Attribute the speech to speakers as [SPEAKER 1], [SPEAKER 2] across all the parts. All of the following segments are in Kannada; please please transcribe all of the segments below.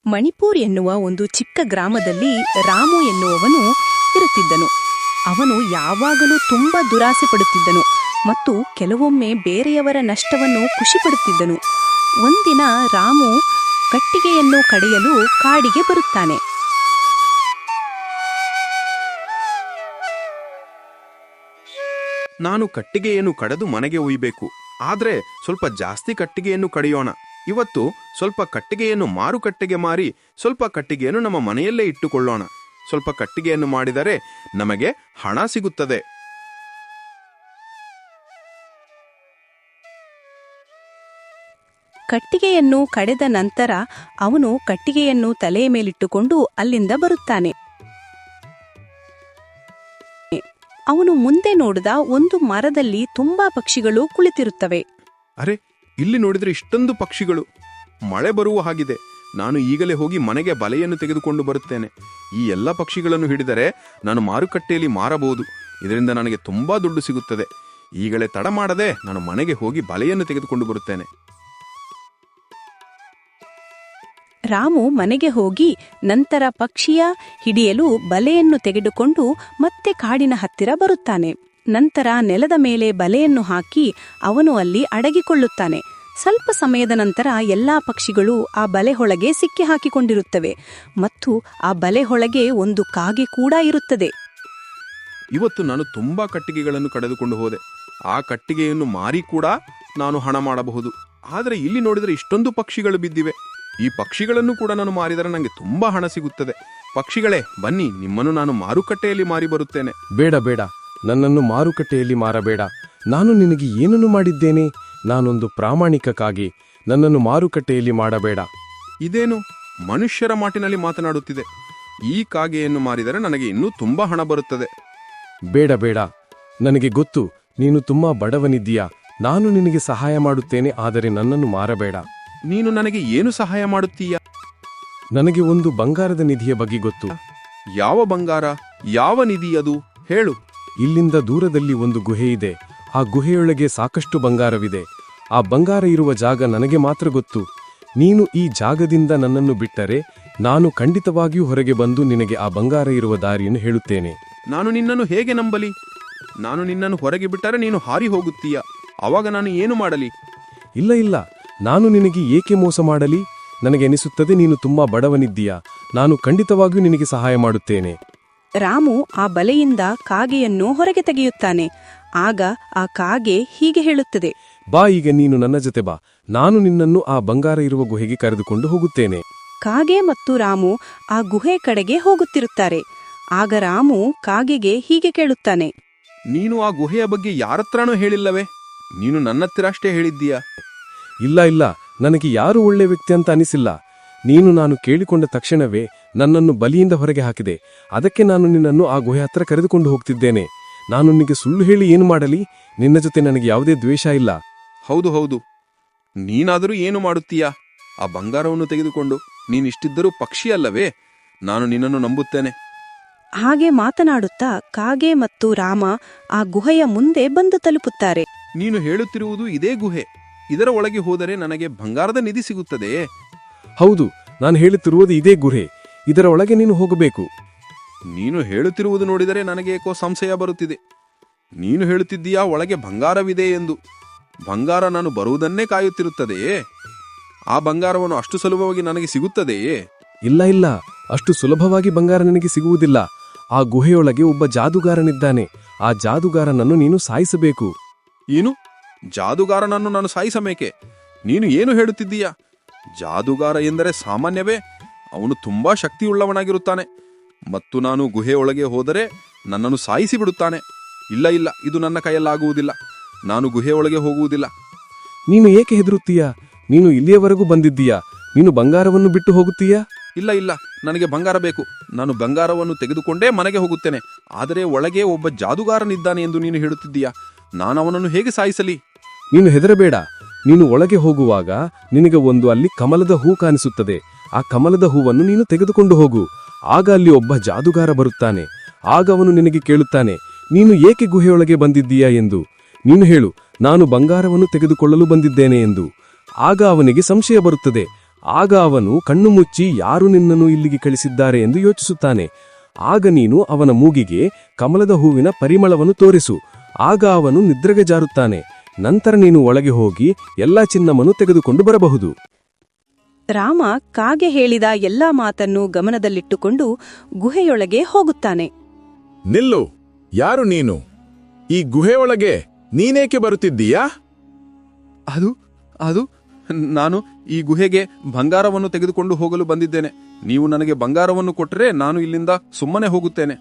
[SPEAKER 1] ಮಣಿಪುರ್ ಎನ್ನುವ ಒಂದು ಚಿಕ್ಕ ಗ್ರಾಮದಲ್ಲಿ ರಾಮು ಎನ್ನುವವನು ಇರುತ್ತಿದ್ದನು. ಅವನು ಯಾವಾಗಲೂ ತುಂಬಾ ದುರಾಸೆ ಪಡುತ್ತಿದ್ದನು ಮತ್ತು ಕೆಲವೊಮ್ಮೆ ಬೇರೆಯವರ ನಷ್ಟವನ್ನು ಖುಷಿಪಡುತ್ತಿದ್ದನು. ಒಂದಿನ ರಾಮು ಕಟ್ಟಿಗೆಯನ್ನು ಕಡೆಯಲು ಕಾಡಿಗೆ ಬರುತ್ತಾನೆ.
[SPEAKER 2] ನಾನು ಕಟ್ಟಿಗೆಯನ್ನು ಕಡೆದು ಮನೆಗೆ ಒಯ್ಯಬೇಕು. ಆದ್ರೆ ಸ್ವಲ್ಪ ಜಾಸ್ತಿ ಕಟ್ಟಿಗೆಯನ್ನು ಕಡಿಯೋಣ. ಇವತ್ತು ಸ್ವಲ್ಪ ಕಟ್ಟಿಗೆಯನ್ನು ಮಾರುಕಟ್ಟೆಗೆ ಮಾರಿ ಸ್ವಲ್ಪ ಕಟ್ಟಿಗೆಯನ್ನು ನಮ್ಮ ಮನೆಯಲ್ಲೇ ಇಟ್ಟುಕೊಳ್ಳೋಣ. ಸ್ವಲ್ಪ ಕಟ್ಟಿಗೆಯನ್ನು ಮಾಡಿದರೆ ನಮಗೆ ಹಣ ಸಿಗುತ್ತದೆ.
[SPEAKER 1] ಕಟ್ಟಿಗೆಯನ್ನು ಕಡೆದ ನಂತರ ಅವನು ಕಟ್ಟಿಗೆಯನ್ನು ತಲೆಯ ಮೇಲಿಟ್ಟುಕೊಂಡು ಅಲ್ಲಿಂದ ಬರುತ್ತಾನೆ. ಅವನು ಮುಂದೆ ನೋಡಿದ ಒಂದು ಮರದಲ್ಲಿ ತುಂಬಾ ಪಕ್ಷಿಗಳು ಕುಳಿತಿರುತ್ತವೆ.
[SPEAKER 2] ಅರೆ, ಇಲ್ಲಿ ನೋಡಿದ್ರೆ ಇಷ್ಟೊಂದು ಪಕ್ಷಿಗಳು. ಮಳೆ ಬರುವ ಹಾಗಿದೆ. ನಾನು ಈಗಲೇ ಹೋಗಿ ಮನೆಗೆ ಬಲೆಯನ್ನು ತೆಗೆದುಕೊಂಡು ಬರುತ್ತೇನೆ. ಈ ಎಲ್ಲ ಪಕ್ಷಿಗಳನ್ನು ಹಿಡಿದರೆ ನಾನು ಮಾರುಕಟ್ಟೆಯಲ್ಲಿ ಮಾರಬಹುದು. ಇದರಿಂದ ನನಗೆ ತುಂಬಾ ದುಡ್ಡು ಸಿಗುತ್ತದೆ. ಈಗಲೇ ತಡ ಮಾಡದೆ ನಾನು ಮನೆಗೆ ಹೋಗಿ ಬಲೆಯನ್ನು ತೆಗೆದುಕೊಂಡು ಬರುತ್ತೇನೆ.
[SPEAKER 1] ರಾಮು ಮನೆಗೆ ಹೋಗಿ ನಂತರ ಪಕ್ಷಿಯ ಹಿಡಿಯಲು ಬಲೆಯನ್ನು ತೆಗೆದುಕೊಂಡು ಮತ್ತೆ ಕಾಡಿನ ಹತ್ತಿರ ಬರುತ್ತಾನೆ. ನಂತರ ನೆಲದ ಮೇಲೆ ಬಲೆಯನ್ನು ಹಾಕಿ ಅವನು ಅಲ್ಲಿ ಅಡಗಿಕೊಳ್ಳುತ್ತಾನೆ. ಸ್ವಲ್ಪ ಸಮಯದ ನಂತರ ಎಲ್ಲಾ ಪಕ್ಷಿಗಳು ಆ ಬಲೆಯೊಳಗೆ ಸಿಕ್ಕಿ ಹಾಕಿಕೊಂಡಿರುತ್ತವೆ ಮತ್ತು ಆ ಬಲೆಯೊಳಗೆ ಒಂದು ಕಾಗೆ ಕೂಡ ಇರುತ್ತದೆ.
[SPEAKER 2] ಇವತ್ತು ನಾನು ತುಂಬಾ ಕಟ್ಟಿಗೆಗಳನ್ನು ಕಳೆದುಕೊಂಡು ಹೋದೆ. ಆ ಕಟ್ಟಿಗೆಯನ್ನು ಮಾರಿ ಕೂಡ ನಾನು ಹಣ ಮಾಡಬಹುದು. ಆದರೆ ಇಲ್ಲಿ ನೋಡಿದರೆ ಇಷ್ಟೊಂದು ಪಕ್ಷಿಗಳು ಬಿದ್ದಿವೆ. ಈ ಪಕ್ಷಿಗಳನ್ನು ಕೂಡ ನಾನು ಮಾರಿದರೆ ನನಗೆ ತುಂಬಾ ಹಣ ಸಿಗುತ್ತದೆ. ಪಕ್ಷಿಗಳೇ, ಬನ್ನಿ, ನಿಮ್ಮನ್ನು ನಾನು ಮಾರುಕಟ್ಟೆಯಲ್ಲಿ ಮಾರಿ ಬರುತ್ತೇನೆ.
[SPEAKER 3] ಬೇಡ ಬೇಡ, ನನ್ನನ್ನು ಮಾರುಕಟ್ಟೆಯಲ್ಲಿ ಮಾರಬೇಡ. ನಾನು ನಿನಗೆ ಏನನ್ನು ಮಾಡಿದ್ದೇನೆ? ನಾನೊಂದು ಪ್ರಾಮಾಣಿಕ ಕಾಗೆ. ನನ್ನನ್ನು ಮಾರುಕಟ್ಟೆಯಲ್ಲಿ ಮಾಡಬೇಡ.
[SPEAKER 2] ಇದೇನು ಮನುಷ್ಯರ ಮಾತಿನಲ್ಲಿ ಮಾತನಾಡುತ್ತಿದೆ? ಈ ಕಾಗೆಯನ್ನು ಮಾರಿದರೆ ನನಗೆ ಇನ್ನೂ ತುಂಬಾ ಹಣ ಬರುತ್ತದೆ.
[SPEAKER 3] ಬೇಡ ಬೇಡ, ನನಗೆ ಗೊತ್ತು ನೀನು ತುಂಬಾ ಬಡವನಿದ್ದೀಯಾ. ನಾನು ನಿನಗೆ ಸಹಾಯ ಮಾಡುತ್ತೇನೆ, ಆದರೆ ನನ್ನನ್ನು ಮಾರಬೇಡ.
[SPEAKER 2] ನೀನು ನನಗೆ ಏನು ಸಹಾಯ ಮಾಡುತ್ತೀಯ?
[SPEAKER 3] ನನಗೆ ಒಂದು ಬಂಗಾರದ ನಿಧಿಯ ಬಗ್ಗೆ ಗೊತ್ತು.
[SPEAKER 2] ಯಾವ ಬಂಗಾರ? ಯಾವ ನಿಧಿ ಅದು? ಹೇಳು.
[SPEAKER 3] ಇಲ್ಲಿಂದ ದೂರದಲ್ಲಿ ಒಂದು ಗುಹೆ ಇದೆ. ಆ ಗುಹೆಯೊಳಗೆ ಸಾಕಷ್ಟು ಬಂಗಾರವಿದೆ. ಆ ಬಂಗಾರ ಇರುವ ಜಾಗ ನನಗೆ ಮಾತ್ರ ಗೊತ್ತು. ನೀನು ಈ ಜಾಗದಿಂದ ನನ್ನನ್ನು ಬಿಟ್ಟರೆ ನಾನು ಖಂಡಿತವಾಗಿಯೂ ಹೊರಗೆ ಬಂದು ನಿನಗೆ ಆ ಬಂಗಾರ ಇರುವ ದಾರಿಯನ್ನು ಹೇಳುತ್ತೇನೆ.
[SPEAKER 2] ನಾನು ನಿನ್ನನ್ನು ಹೇಗೆ ನಂಬಲಿ? ನಾನು ನಿನ್ನನ್ನು ಹೊರಗೆ ಬಿಟ್ಟರೆ ನೀನು ಹಾರಿ ಹೋಗುತ್ತೀಯ. ಆವಾಗ ನಾನು ಏನು ಮಾಡಲಿ?
[SPEAKER 3] ಇಲ್ಲ ಇಲ್ಲ, ನಾನು ನಿನಗೆ ಏಕೆ ಮೋಸ ಮಾಡಲಿ? ನನಗೆ ಅನಿಸುತ್ತದೆ ನೀನು ತುಂಬಾ ಬಡವನಿದ್ದೀಯಾ. ನಾನು ಖಂಡಿತವಾಗಿಯೂ ನಿನಗೆ ಸಹಾಯ ಮಾಡುತ್ತೇನೆ.
[SPEAKER 1] ರಾಮು ಆ ಬಲೆಯಿಂದ ಕಾಗೆಯನ್ನು ಹೊರಗೆ ತೆಗೆಯುತ್ತಾನೆ. ಆಗ ಆ ಕಾಗೆ ಹೀಗೆ ಹೇಳುತ್ತದೆ,
[SPEAKER 3] ಬಾ, ಈಗ ನೀನು ನನ್ನ ಜೊತೆ ಬಾ. ನಾನು ನಿನ್ನನ್ನು ಆ ಬಂಗಾರ ಇರುವ ಗುಹೆಗೆ ಕರೆದುಕೊಂಡು ಹೋಗುತ್ತೇನೆ.
[SPEAKER 1] ಕಾಗೆ ಮತ್ತು ರಾಮು ಆ ಗುಹೆ ಕಡೆಗೆ ಹೋಗುತ್ತಿರುತ್ತಾರೆ. ಆಗ ರಾಮು ಕಾಗೆಗೆ ಹೀಗೆ ಕೇಳುತ್ತಾನೆ,
[SPEAKER 2] ನೀನು ಆ ಗುಹೆಯ ಬಗ್ಗೆ ಯಾರತ್ರನೂ ಹೇಳಿಲ್ಲವೇ? ನೀನು ನನ್ನತ್ತಿರ ಅಷ್ಟೇ ಹೇಳಿದ್ದೀಯಾ?
[SPEAKER 3] ಇಲ್ಲ ಇಲ್ಲ, ನನಗೆ ಯಾರು ಒಳ್ಳೆ ವ್ಯಕ್ತಿ ಅಂತ ಅನಿಸಿಲ್ಲ. ನೀನು ನಾನು ಕೇಳಿಕೊಂಡ ತಕ್ಷಣವೇ ನನ್ನನ್ನು ಬಲಿಯಿಂದ ಹೊರಗೆ ಹಾಕಿದೆ. ಅದಕ್ಕೆ ನಾನು ನಿನ್ನನ್ನು ಆ ಗುಹೆ ಹತ್ರ ಕರೆದುಕೊಂಡು ಹೋಗ್ತಿದ್ದೇನೆ. ನಾನು ನಿನಗೆ ಸುಳ್ಳು ಹೇಳಿ ಏನು ಮಾಡಲಿ? ನಿನ್ನ ಜೊತೆ ನನಗೆ ಯಾವುದೇ ದ್ವೇಷ ಇಲ್ಲ.
[SPEAKER 2] ಹೌದು ಹೌದು, ನೀನಾದರೂ ಏನು ಮಾಡುತ್ತೀಯಾ? ಆ ಬಂಗಾರವನ್ನು ತೆಗೆದುಕೊಂಡು ನೀನಿಷ್ಟಿದ್ದರೂ ಪಕ್ಷಿಯಲ್ಲವೇ? ನಾನು ನಿನ್ನನ್ನು ನಂಬುತ್ತೇನೆ.
[SPEAKER 1] ಹಾಗೆ ಮಾತನಾಡುತ್ತಾ ಕಾಗೆ ಮತ್ತು ರಾಮ ಆ ಗುಹೆಯ ಮುಂದೆ ಬಂದು ತಲುಪುತ್ತಾರೆ.
[SPEAKER 2] ನೀನು ಹೇಳುತ್ತಿರುವುದು ಇದೇ ಗುಹೆ. ಇದರ ಒಳಗೆ ಹೋದರೆ ನನಗೆ ಬಂಗಾರದ ನಿಧಿ ಸಿಗುತ್ತದೆಯೇ?
[SPEAKER 3] ಹೌದು, ನಾನು ಹೇಳುತ್ತಿರುವುದು ಇದೇ ಗುಹೆ. ಇದರ ಒಳಗೆ ನೀನು ಹೋಗಬೇಕು.
[SPEAKER 2] ನೀನು ಹೇಳುತ್ತಿರುವುದು ನೋಡಿದರೆ ನನಗೆ ಏಕೋ ಸಂಶಯ ಬರುತ್ತಿದೆ. ನೀನು ಹೇಳುತ್ತಿದ್ದೀಯಾ ಒಳಗೆ ಬಂಗಾರವಿದೆ ಎಂದು. ಬಂಗಾರ ನಾನು ಬರುವುದನ್ನೇ ಕಾಯುತ್ತಿರುತ್ತದೆಯೇ? ಆ ಬಂಗಾರವನ್ನು ಅಷ್ಟು ಸುಲಭವಾಗಿ ನನಗೆ ಸಿಗುತ್ತದೆಯೇ?
[SPEAKER 3] ಇಲ್ಲ ಇಲ್ಲ, ಅಷ್ಟು ಸುಲಭವಾಗಿ ಬಂಗಾರ ನನಗೆ ಸಿಗುವುದಿಲ್ಲ. ಆ ಗುಹೆಯೊಳಗೆ ಒಬ್ಬ ಜಾದುಗಾರನಿದ್ದಾನೆ. ಆ ಜಾದುಗಾರನನ್ನು ನೀನು ಸಾಯಿಸಬೇಕು.
[SPEAKER 2] ಏನು? ಜಾದುಗಾರನನ್ನು ನಾನು ಸಾಯಿಸಬೇಕೆ? ನೀನು ಏನು ಹೇಳುತ್ತಿದ್ದೀಯಾ? ಜಾದುಗಾರ ಎಂದರೆ ಸಾಮಾನ್ಯವೇ? ಅವನು ತುಂಬಾ ಶಕ್ತಿಯುಳ್ಳವನಾಗಿರುತ್ತಾನೆ ಮತ್ತು ನಾನು ಗುಹೆಯೊಳಗೆ ಹೋದರೆ ನನ್ನನ್ನು ಸಾಯಿಸಿ ಬಿಡುತ್ತಾನೆ. ಇಲ್ಲ ಇಲ್ಲ, ಇದು ನನ್ನ ಕೈಯಲ್ಲಾಗುವುದಿಲ್ಲ. ನಾನು ಗುಹೆಯೊಳಗೆ ಹೋಗುವುದಿಲ್ಲ.
[SPEAKER 3] ನೀನು ಏಕೆ ಹೆದರುತ್ತೀಯಾ? ನೀನು ಇಲ್ಲಿಯವರೆಗೂ ಬಂದಿದ್ದೀಯಾ? ನೀನು ಬಂಗಾರವನ್ನು ಬಿಟ್ಟು ಹೋಗುತ್ತೀಯಾ?
[SPEAKER 2] ಇಲ್ಲ ಇಲ್ಲ, ನನಗೆ ಬಂಗಾರ ಬೇಕು. ನಾನು ಬಂಗಾರವನ್ನು ತೆಗೆದುಕೊಂಡೇ ಮನೆಗೆ ಹೋಗುತ್ತೇನೆ. ಆದರೆ ಒಳಗೆ ಒಬ್ಬ ಜಾದುಗಾರನಿದ್ದಾನೆ ಎಂದು ನೀನು ಹೇಳುತ್ತಿದ್ದೀಯಾ? ನಾನು ಅವನನ್ನು ಹೇಗೆ ಸಾಯಿಸಲಿ?
[SPEAKER 3] ನೀನು ಹೆದರಬೇಡ. ನೀನು ಒಳಗೆ ಹೋಗುವಾಗ ನಿನಗೆ ಒಂದು ಅಲ್ಲಿ ಕಮಲದ ಹೂ ಕಾಣಿಸುತ್ತದೆ. ಆ ಕಮಲದ ಹೂವನ್ನು ನೀನು ತೆಗೆದುಕೊಂಡು ಹೋಗು. ಆಗ ಅಲ್ಲಿ ಒಬ್ಬ ಜಾದುಗಾರ ಬರುತ್ತಾನೆ. ಆಗ ಅವನು ನಿನಗೆ ಕೇಳುತ್ತಾನೆ, ನೀನು ಏಕೆ ಗುಹೆಯೊಳಗೆ ಬಂದಿದ್ದೀಯಾ ಎಂದು. ನೀನು ಹೇಳು, ನಾನು ಬಂಗಾರವನ್ನು ತೆಗೆದುಕೊಳ್ಳಲು ಬಂದಿದ್ದೇನೆ ಎಂದು. ಆಗ ಅವನಿಗೆ ಸಂಶಯ ಬರುತ್ತದೆ. ಆಗ ಅವನು ಕಣ್ಣು ಮುಚ್ಚಿ ಯಾರು ನಿನ್ನನ್ನು ಇಲ್ಲಿಗೆ ಕಳಿಸಿದ್ದಾರೆ ಎಂದು ಯೋಚಿಸುತ್ತಾನೆ. ಆಗ ನೀನು ಅವನ ಮೂಗಿಗೆ ಕಮಲದ ಹೂವಿನ ಪರಿಮಳವನ್ನು ತೋರಿಸು. ಆಗ ಅವನು ನಿದ್ರೆಗೆ ಜಾರುತ್ತಾನೆ. ನಂತರ ನೀನು ಒಳಗೆ ಹೋಗಿ ಎಲ್ಲಾ ಚಿನ್ನವನ್ನು ತೆಗೆದುಕೊಂಡು ಬರಬಹುದು.
[SPEAKER 1] ರಾಮ ಕಾಗೆ ಹೇಳಿದ ಎಲ್ಲಾ ಮಾತನ್ನು ಗಮನದಲ್ಲಿಟ್ಟುಕೊಂಡು ಗುಹೆಯೊಳಗೆ ಹೋಗುತ್ತಾನೆ.
[SPEAKER 4] ನಿಲ್ಲು, ಯಾರು ನೀನು? ಈ ಗುಹೆಯೊಳಗೆ ನೀನೇಕೆ ಬರುತ್ತಿದ್ದೀಯಾ?
[SPEAKER 2] ಅದು ನಾನು ಈ ಗುಹೆಗೆ ಬಂಗಾರವನ್ನು ತೆಗೆದುಕೊಂಡು ಹೋಗಲು ಬಂದಿದ್ದೇನೆ. ನೀವು ನನಗೆ ಬಂಗಾರವನ್ನು ಕೊಟ್ಟರೆ ನಾನು ಇಲ್ಲಿಂದ ಸುಮ್ಮನೆ ಹೋಗುತ್ತೇನೆ.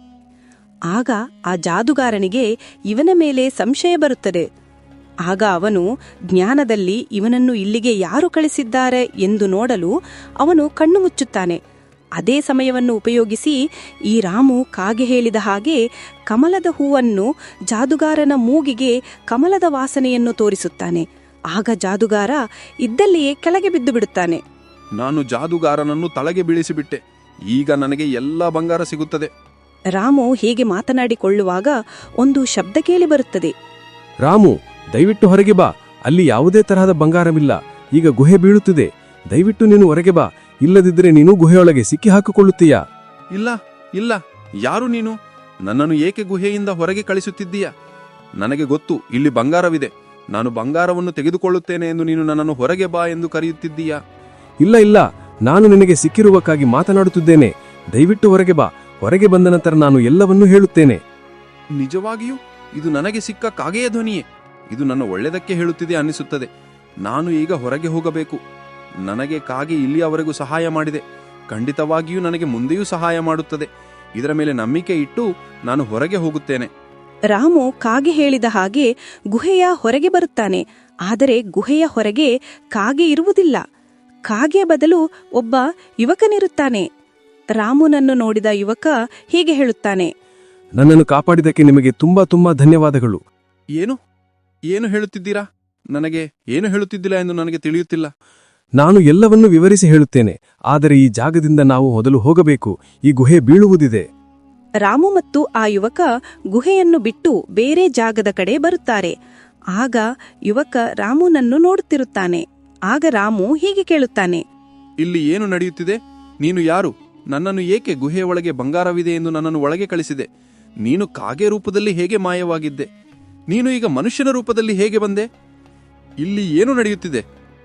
[SPEAKER 1] ಆಗ ಆ ಜಾದುಗಾರನಿಗೆ ಇವನ ಮೇಲೆ ಸಂಶಯ ಬರುತ್ತದೆ. ಆಗ ಅವನು ಜ್ಞಾನದಲ್ಲಿ ಇವನನ್ನು ಇಲ್ಲಿಗೆ ಯಾರು ಕಳಿಸಿದ್ದಾರೆ ಎಂದು ನೋಡಲು ಅವನು ಕಣ್ಣು ಮುಚ್ಚುತ್ತಾನೆ. ಅದೇ ಸಮಯವನ್ನು ಉಪಯೋಗಿಸಿ ಈ ರಾಮು ಕಾಗೆ ಹೇಳಿದ ಹಾಗೆ ಕಮಲದ ಹೂವನ್ನು ಜಾದುಗಾರನ ಮೂಗಿಗೆ ಕಮಲದ ವಾಸನೆಯನ್ನು ತೋರಿಸುತ್ತಾನೆ. ಆಗ ಜಾದುಗಾರ ಇದ್ದಲ್ಲಿಯೇ ಕೆಳಗೆ ಬಿದ್ದು ಬಿಡುತ್ತಾನೆ.
[SPEAKER 2] ನಾನು ಜಾದುಗಾರನನ್ನು ತಲೆಗೆ ಬೀಳಿಸಿಬಿಟ್ಟೆ. ಈಗ ನನಗೆ ಎಲ್ಲ ಬಂಗಾರ ಸಿಗುತ್ತದೆ.
[SPEAKER 1] ರಾಮು ಹೀಗೆ ಮಾತನಾಡಿಕೊಳ್ಳುವಾಗ ಒಂದು ಶಬ್ದ ಕೇಳಿ ಬರುತ್ತದೆ.
[SPEAKER 3] ರಾಮು, ದಯವಿಟ್ಟು ಹೊರಗೆ ಬಾ. ಅಲ್ಲಿ ಯಾವುದೇ ತರಹದ ಬಂಗಾರವಿಲ್ಲ. ಈಗ ಗುಹೆ ಬೀಳುತ್ತಿದೆ. ದಯವಿಟ್ಟು ನೀನು ಹೊರಗೆ ಬಾ. ಇಲ್ಲದಿದ್ದರೆ ನೀನು ಗುಹೆಯೊಳಗೆ ಸಿಕ್ಕಿ ಹಾಕಿಕೊಳ್ಳುತ್ತೀಯಾ?
[SPEAKER 2] ಇಲ್ಲ ಇಲ್ಲ, ಯಾರು ನೀನು? ನನ್ನನ್ನು ಏಕೆ ಗುಹೆಯಿಂದ ಹೊರಗೆ ಕಳಿಸುತ್ತಿದ್ದೀಯಾ? ನನಗೆ ಗೊತ್ತು, ಇಲ್ಲಿ ಬಂಗಾರವಿದೆ. ನಾನು ಬಂಗಾರವನ್ನು ತೆಗೆದುಕೊಳ್ಳುತ್ತೇನೆ ಎಂದು ನೀನು ನನ್ನನ್ನು ಹೊರಗೆ ಬಾ ಎಂದು ಕರೆಯುತ್ತಿದ್ದೀಯಾ?
[SPEAKER 3] ಇಲ್ಲ ಇಲ್ಲ, ನಾನು ನಿನಗೆ ಸಿಕ್ಕಿರುವಕ್ಕಾಗಿ ಮಾತನಾಡುತ್ತಿದ್ದೇನೆ. ದಯವಿಟ್ಟು ಹೊರಗೆ ಬಾ. ಹೊರಗೆ ಬಂದ ನಂತರ ನಾನು ಎಲ್ಲವನ್ನೂ ಹೇಳುತ್ತೇನೆ.
[SPEAKER 2] ನಿಜವಾಗಿಯೂ ಇದು ನನಗೆ ಸಿಕ್ಕ ಕಾಗೆಯ ಧ್ವನಿಯೇ. ಇದು ನನ್ನ ಒಳ್ಳೆಯದಕ್ಕೆ ಹೇಳುತ್ತಿದೆ ಅನ್ನಿಸುತ್ತದೆ. ನಾನು ಈಗ ಹೊರಗೆ ಹೋಗಬೇಕು. ನನಗೆ ಕಾಗೆ ಇಲ್ಲಿಯವರೆಗೂ ಸಹಾಯ ಮಾಡಿದೆ. ಖಂಡಿತವಾಗಿಯೂ ನನಗೆ ಮುಂದೆಯೂ ಸಹಾಯ ಮಾಡುತ್ತದೆ. ಇದರ ಮೇಲೆ ನಂಬಿಕೆ ಇಟ್ಟು ನಾನು ಹೊರಗೆ ಹೋಗುತ್ತೇನೆ.
[SPEAKER 1] ರಾಮು ಕಾಗೆ ಹೇಳಿದ ಹಾಗೆ ಗುಹೆಯ ಹೊರಗೆ ಬರುತ್ತಾನೆ. ಆದರೆ ಗುಹೆಯ ಹೊರಗೆ ಕಾಗೆ ಇರುವುದಿಲ್ಲ. ಕಾಗೆಯ ಬದಲು ಒಬ್ಬ ಯುವಕನಿರುತ್ತಾನೆ. ರಾಮುನನ್ನು ನೋಡಿದ ಯುವಕ ಹೀಗೆ ಹೇಳುತ್ತಾನೆ.
[SPEAKER 3] ನನ್ನನ್ನು ಕಾಪಾಡಿದಕ್ಕೆ ನಿಮಗೆ ತುಂಬಾ ತುಂಬಾ ಧನ್ಯವಾದಗಳು.
[SPEAKER 2] ಏನು ಏನು ಹೇಳುತ್ತಿದ್ದೀರಾ? ನನಗೆ ಏನು ಹೇಳುತ್ತಿದ್ದಿಲ್ಲ ಎಂದು ನನಗೆ ತಿಳಿಯುತ್ತಿಲ್ಲ.
[SPEAKER 3] ನಾನು ಎಲ್ಲವನ್ನೂ ವಿವರಿಸಿ ಹೇಳುತ್ತೇನೆ. ಆದರೆ ಈ ಜಾಗದಿಂದ ನಾವು ಮೊದಲು ಹೋಗಬೇಕು. ಈ ಗುಹೆ ಬೀಳುವುದಿದೆ.
[SPEAKER 1] ರಾಮು ಮತ್ತು ಆ ಯುವಕ ಗುಹೆಯನ್ನು ಬಿಟ್ಟು ಬೇರೆ ಜಾಗದ ಕಡೆ ಬರುತ್ತಾರೆ. ಆಗ ಯುವಕ ರಾಮುನನ್ನು ನೋಡುತ್ತಿರುತ್ತಾನೆ. ಆಗ ರಾಮು ಹೀಗೆ ಕೇಳುತ್ತಾನೆ.
[SPEAKER 2] ಇಲ್ಲಿ ಏನು ನಡೆಯುತ್ತಿದೆ? ನೀನು ಯಾರು? ನನ್ನನ್ನು ಏಕೆ ಗುಹೆಯ ಒಳಗೆ ಬಂಗಾರವಿದೆ ಎಂದು ನನ್ನನ್ನು ಒಳಗೆ ಕಳಿಸಿದೆ? ನೀನು ಕಾಗೆ ರೂಪದಲ್ಲಿ ಹೇಗೆ ಮಾಯವಾಗಿದ್ದೆ? ನೀನು ಈಗ ಮನುಷ್ಯನ ರೂಪದಲ್ಲಿ ಹೇಗೆ ಬಂದೆ? ಇಲ್ಲಿ ಏನು ನಡೆಯುತ್ತಿದೆ?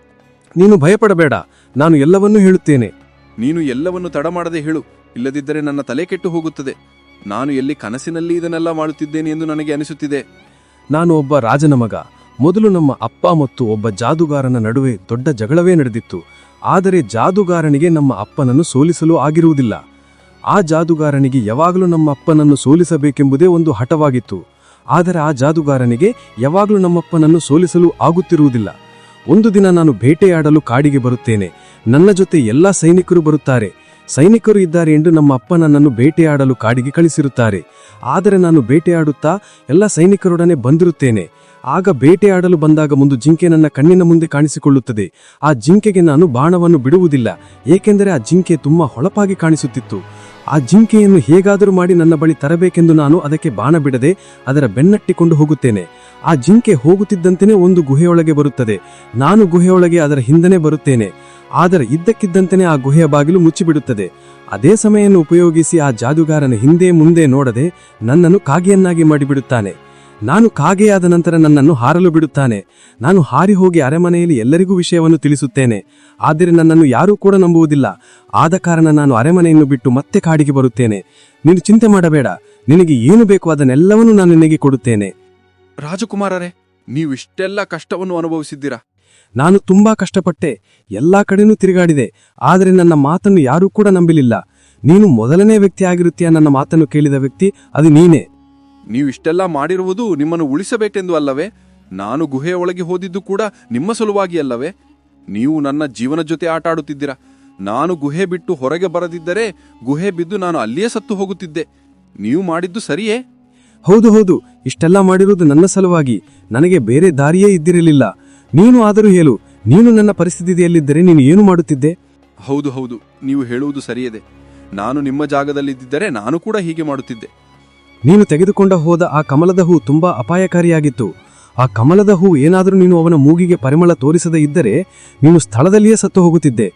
[SPEAKER 3] ನೀನು ಭಯಪಡಬೇಡ. ನಾನು ಎಲ್ಲವನ್ನೂ ಹೇಳುತ್ತೇನೆ.
[SPEAKER 2] ನೀನು ಎಲ್ಲವನ್ನು ತಡ ಮಾಡದೆ ಹೇಳು. ಇಲ್ಲದಿದ್ದರೆ ನನ್ನ ತಲೆ ಕೆಟ್ಟು ಹೋಗುತ್ತದೆ. ನಾನು ಎಲ್ಲಿ ಕನಸಿನಲ್ಲಿ ಇದನ್ನೆಲ್ಲ ಮಾಡುತ್ತಿದ್ದೇನೆ ಎಂದು ನನಗೆ ಅನಿಸುತ್ತಿದೆ.
[SPEAKER 3] ನಾನು ಒಬ್ಬ ರಾಜನ ಮಗ. ಮೊದಲು ನಮ್ಮ ಅಪ್ಪ ಮತ್ತು ಒಬ್ಬ ಜಾದುಗಾರನ ನಡುವೆ ದೊಡ್ಡ ಜಗಳವೇ ನಡೆದಿತ್ತು. ಆದರೆ ಜಾದುಗಾರನಿಗೆ ನಮ್ಮ ಅಪ್ಪನನ್ನು ಸೋಲಿಸಲು ಆಗಿರುವುದಿಲ್ಲ. ಆ ಜಾದುಗಾರನಿಗೆ ಯಾವಾಗಲೂ ನಮ್ಮ ಅಪ್ಪನನ್ನು ಸೋಲಿಸಬೇಕೆಂಬುದೇ ಒಂದು ಹಠವಾಗಿತ್ತು. ಆದರೆ ಆ ಜಾದುಗಾರನಿಗೆ ಯಾವಾಗಲೂ ನಮ್ಮಪ್ಪನನ್ನು ಸೋಲಿಸಲು ಆಗುತ್ತಿರುವುದಿಲ್ಲ. ಒಂದು ದಿನ ನಾನು ಬೇಟೆಯಾಡಲು ಕಾಡಿಗೆ ಬರುತ್ತೇನೆ. ನನ್ನ ಜೊತೆ ಎಲ್ಲಾ ಸೈನಿಕರು ಬರುತ್ತಾರೆ. ಸೈನಿಕರು ಇದ್ದಾರೆ ಎಂದು ನಮ್ಮ ಅಪ್ಪ ನನ್ನನ್ನು ಬೇಟೆಯಾಡಲು ಕಾಡಿಗೆ ಕಳಿಸಿರುತ್ತಾರೆ. ಆದರೆ ನಾನು ಬೇಟೆಯಾಡುತ್ತಾ ಎಲ್ಲ ಸೈನಿಕರೊಡನೆ ಬಂದಿರುತ್ತೇನೆ. ಆಗ ಬೇಟೆಯಾಡಲು ಬಂದಾಗ ಒಂದು ಜಿಂಕೆ ನನ್ನ ಕಣ್ಣಿನ ಮುಂದೆ ಕಾಣಿಸಿಕೊಳ್ಳುತ್ತದೆ. ಆ ಜಿಂಕೆಗೆ ನಾನು ಬಾಣವನ್ನು ಬಿಡುವುದಿಲ್ಲ, ಏಕೆಂದರೆ ಆ ಜಿಂಕೆ ತುಂಬಾ ಹೊಳಪಾಗಿ ಕಾಣಿಸುತ್ತಿತ್ತು. ಆ ಜಿಂಕೆಯನ್ನು ಹೇಗಾದರೂ ಮಾಡಿ ನನ್ನ ಬಳಿ ತರಬೇಕೆಂದು ನಾನು ಅದಕ್ಕೆ ಬಾಣ ಬಿಡದೆ ಅದರ ಬೆನ್ನಟ್ಟಿಕೊಂಡು ಹೋಗುತ್ತೇನೆ. ಆ ಜಿಂಕೆ ಹೋಗುತ್ತಿದ್ದಂತೆಯೇ ಒಂದು ಗುಹೆಯೊಳಗೆ ಬರುತ್ತದೆ. ನಾನು ಗುಹೆಯೊಳಗೆ ಅದರ ಹಿಂದನೆ ಬರುತ್ತೇನೆ. ಆದರೆ ಇದ್ದಕ್ಕಿದ್ದಂತೆಯೇ ಆ ಗುಹೆಯ ಬಾಗಿಲು ಮುಚ್ಚಿಬಿಡುತ್ತದೆ. ಅದೇ ಸಮಯವನ್ನು ಉಪಯೋಗಿಸಿ ಆ ಜಾದುಗಾರನ ಹಿಂದೆ ಮುಂದೆ ನೋಡದೆ ನನ್ನನ್ನು ಕಾಗೆಯನ್ನಾಗಿ ಮಾಡಿಬಿಡುತ್ತಾನೆ. ನಾನು ಕಾಗೆಯಾದ ನಂತರ ನನ್ನನ್ನು ಹಾರಲು ಬಿಡುತ್ತಾನೆ. ನಾನು ಹಾರಿ ಹೋಗಿ ಅರಮನೆಯಲ್ಲಿ ಎಲ್ಲರಿಗೂ ವಿಷಯವನ್ನು ತಿಳಿಸುತ್ತೇನೆ. ಆದರೆ ನನ್ನನ್ನು ಯಾರೂ ಕೂಡ ನಂಬುವುದಿಲ್ಲ. ಆದ ಕಾರಣ ನಾನು ಅರಮನೆಯನ್ನು ಬಿಟ್ಟು ಮತ್ತೆ ಕಾಡಿಗೆ ಬರುತ್ತೇನೆ. ನೀನು ಚಿಂತೆ ಮಾಡಬೇಡ. ನಿನಗೆ ಏನು ಬೇಕು ಅದನ್ನೆಲ್ಲವನ್ನೂ ನಾನು ನಿನಗೆ ಕೊಡುತ್ತೇನೆ.
[SPEAKER 2] ರಾಜಕುಮಾರರೇ, ನೀವು ಇಷ್ಟೆಲ್ಲ ಕಷ್ಟವನ್ನು ಅನುಭವಿಸಿದ್ದೀರಾ?
[SPEAKER 3] ನಾನು ತುಂಬಾ ಕಷ್ಟಪಟ್ಟೆ. ಎಲ್ಲಾ ಕಡೆನೂ ತಿರುಗಾಡಿದೆ. ಆದರೆ ನನ್ನ ಮಾತನ್ನು ಯಾರೂ ಕೂಡ ನಂಬಲಿಲ್ಲ. ನೀನು ಮೊದಲನೇ ವ್ಯಕ್ತಿ ಆಗಿರುತ್ತೀಯ ನನ್ನ ಮಾತನ್ನು ಕೇಳಿದ ವ್ಯಕ್ತಿ, ಅದು ನೀನೇ.
[SPEAKER 2] ನೀವು ಇಷ್ಟೆಲ್ಲ ಮಾಡಿರುವುದು ನಿಮ್ಮನ್ನು ಉಳಿಸಬೇಕೆಂದು ಅಲ್ಲವೇ? ನಾನು ಗುಹೆಯ ಒಳಗೆ ಹೋದಿದ್ದು ಕೂಡ ನಿಮ್ಮ ಸಲುವಾಗಿ ಅಲ್ಲವೇ? ನೀವು ನನ್ನ ಜೀವನ ಜೊತೆ ಆಟ ಆಡುತ್ತಿದ್ದೀರಾ. ನಾನು ಗುಹೆ ಬಿಟ್ಟು ಹೊರಗೆ ಬರದಿದ್ದರೆ ಗುಹೆ ಬಿದ್ದು ನಾನು ಅಲ್ಲಿಯೇ ಸತ್ತು ಹೋಗುತ್ತಿದ್ದೆ. ನೀವು ಮಾಡಿದ್ದು ಸರಿಯೇ?
[SPEAKER 3] ಹೌದು ಹೌದು, ಇಷ್ಟೆಲ್ಲ ಮಾಡಿರುವುದು ನನ್ನ ಸಲುವಾಗಿ. ನನಗೆ ಬೇರೆ ದಾರಿಯೇ ಇದ್ದಿರಲಿಲ್ಲ. ನೀನು ಆದರೂ ಹೇಳು, ನೀನು ನನ್ನ ಪರಿಸ್ಥಿತಿಯಲ್ಲಿದ್ದರೆ ನೀನು ಏನು ಮಾಡುತ್ತಿದ್ದೆ?
[SPEAKER 2] ಹೌದು ಹೌದು, ನೀವು ಹೇಳುವುದು ಸರಿಯದೆ. ನಾನು ನಿಮ್ಮ ಜಾಗದಲ್ಲಿದ್ದರೆ ನಾನು ಕೂಡ ಹೀಗೆ ಮಾಡುತ್ತಿದ್ದೆ.
[SPEAKER 3] ನೀನು ತೆಗೆದುಕೊಂಡ ಹೋದ ಆ ಕಮಲದ ಹೂ ತುಂಬಾ ಅಪಾಯಕಾರಿಯಾಗಿತ್ತು. ಆ ಕಮಲದ ಹೂ ಏನಾದರೂ ನೀನು ಅವನ ಮೂಗಿಗೆ ಪರಿಮಳ ತೋರಿಸದೇ ಇದ್ದರೆ ನೀನು ಸ್ಥಳದಲ್ಲಿಯೇ ಸತ್ತು ಹೋಗುತ್ತಿದ್ದೆ.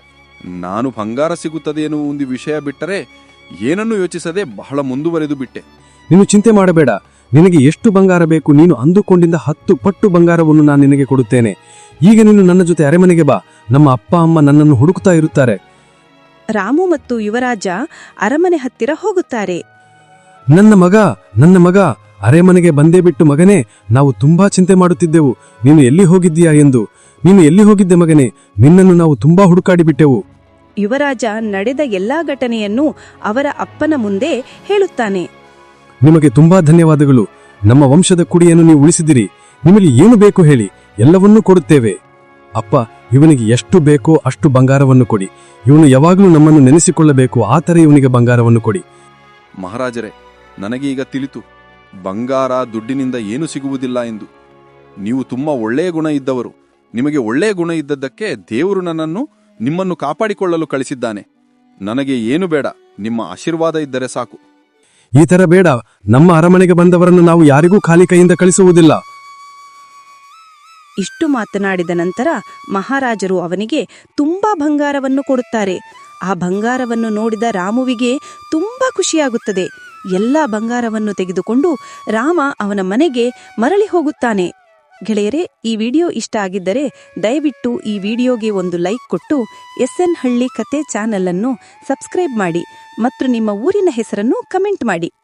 [SPEAKER 2] ನಾನು ಬಂಗಾರ ಸಿಗುತ್ತದೆ ಎನ್ನುವ ಒಂದು ವಿಷಯ ಬಿಟ್ಟರೆ ಏನನ್ನೂ ಯೋಚಿಸದೆ ಬಹಳ ಮುಂದುವರೆದು ಬಿಟ್ಟೆ.
[SPEAKER 3] ನೀನು ಚಿಂತೆ ಮಾಡಬೇಡ. ನಿನಗೆ ಎಷ್ಟು ಬಂಗಾರ ಬೇಕು, ನೀನು ಅಂದುಕೊಂಡಿದ್ದ 10 ಪಟ್ಟು ಬಂಗಾರವನ್ನು ನಾನು ನಿನಗೆ ಕೊಡುತ್ತೇನೆ. ಈಗ ನೀನು ನನ್ನ ಜೊತೆ ಅರಮನೆಗೆ ಬಾ. ನಮ್ಮ ಅಪ್ಪ ಅಮ್ಮ ನನ್ನನ್ನು ಹುಡುಕ್ತಾ ಇರುತ್ತಾರೆ.
[SPEAKER 1] ರಾಮು ಮತ್ತು ಯುವರಾಜ ಅರಮನೆ ಹತ್ತಿರ ಹೋಗುತ್ತಾರೆ.
[SPEAKER 3] ನನ್ನ ಮಗ ಅರಮನೆಗೆ ಬಂದೇ ಬಿಟ್ಟು ಮಗನೇ, ನಾವು ತುಂಬಾ ಚಿಂತೆ ಮಾಡುತ್ತಿದ್ದೆವು ನೀನು ಎಲ್ಲಿ ಹೋಗಿದ್ದೀಯಾ ಎಂದು. ನೀನು ಎಲ್ಲಿ ಹೋಗಿದ್ದೆ ಮಗನೇ? ನಿನ್ನನ್ನು ನಾವು ತುಂಬಾ ಹುಡುಕಾಡಿ ಬಿಟ್ಟೆವು.
[SPEAKER 1] ಯುವರಾಜ ನಡೆದ ಎಲ್ಲಾ ಘಟನೆಯನ್ನು ಅವರ ಅಪ್ಪನ ಮುಂದೆ ಹೇಳುತ್ತಾನೆ.
[SPEAKER 3] ನಿಮಗೆ ತುಂಬಾ ಧನ್ಯವಾದಗಳು. ನಮ್ಮ ವಂಶದ ಕುಡಿಯನ್ನು ನೀವು ಉಳಿಸಿದಿರಿ. ನಿಮಗೆ ಏನು ಬೇಕು ಹೇಳಿ, ಎಲ್ಲವನ್ನೂ ಕೊಡುತ್ತೇವೆ. ಅಪ್ಪ, ಇವನಿಗೆ ಎಷ್ಟು ಬೇಕೋ ಅಷ್ಟು ಬಂಗಾರವನ್ನು ಕೊಡಿ. ಇವನು ಯಾವಾಗಲೂ ನಮ್ಮನ್ನು ನೆನೆಸಿಕೊಳ್ಳಬೇಕು, ಆ ಥರ ಇವನಿಗೆ ಬಂಗಾರವನ್ನು ಕೊಡಿ.
[SPEAKER 2] ಮಹಾರಾಜರೇ, ನನಗೆ ಈಗ ತಿಳಿತು, ಬಂಗಾರ ದುಡ್ಡಿನಿಂದ ಏನೂ ಸಿಗುವುದಿಲ್ಲ ಎಂದು. ನೀವು ತುಂಬಾ ಒಳ್ಳೆಯ ಗುಣ ಇದ್ದವರು. ನಿಮಗೆ ಒಳ್ಳೆಯ ಗುಣ ಇದ್ದದ್ದಕ್ಕೆ ದೇವರು ನಿಮ್ಮನ್ನು ಕಾಪಾಡಿಕೊಳ್ಳಲು ಕಳಿಸಿದ್ದಾನೆ. ನನಗೆ ಏನು ಬೇಡ, ನಿಮ್ಮ ಆಶೀರ್ವಾದ ಇದ್ದರೆ ಸಾಕು.
[SPEAKER 3] ಈ ತರ ಬೇಡ. ನಮ್ಮ ಅರಮನೆಗೆ ಬಂದವರನ್ನು ನಾವು ಯಾರಿಗೂ ಖಾಲಿ ಕೈಯಿಂದ ಕಳಿಸುವುದಿಲ್ಲ.
[SPEAKER 1] ಇಷ್ಟು ಮಾತನಾಡಿದ ನಂತರ ಮಹಾರಾಜರು ಅವನಿಗೆ ತುಂಬಾ ಬಂಗಾರವನ್ನು ಕೊಡುತ್ತಾರೆ. ಆ ಬಂಗಾರವನ್ನು ನೋಡಿದ ರಾಮುವಿಗೆ ತುಂಬಾ ಖುಷಿಯಾಗುತ್ತದೆ. ಎಲ್ಲ ಬಂಗಾರವನ್ನು ತೆಗೆದುಕೊಂಡು ರಾಮ ಅವನ ಮನೆಗೆ ಮರಳಿ ಹೋಗುತ್ತಾನೆ. ಗೆಳೆಯರೇ, ಈ ವಿಡಿಯೋ ಇಷ್ಟ ಆಗಿದ್ದರೆ ದಯವಿಟ್ಟು ಈ ವಿಡಿಯೋಗೆ ಒಂದು ಲೈಕ್ ಕೊಟ್ಟು SN ಹಳ್ಳಿ ಕತೆ ಚಾನೆಲ್ ಅನ್ನು ಸಬ್ಸ್ಕ್ರೈಬ್ ಮಾಡಿ ಮತ್ತು ನಿಮ್ಮ ಊರಿನ ಹೆಸರನ್ನು ಕಮೆಂಟ್ ಮಾಡಿ.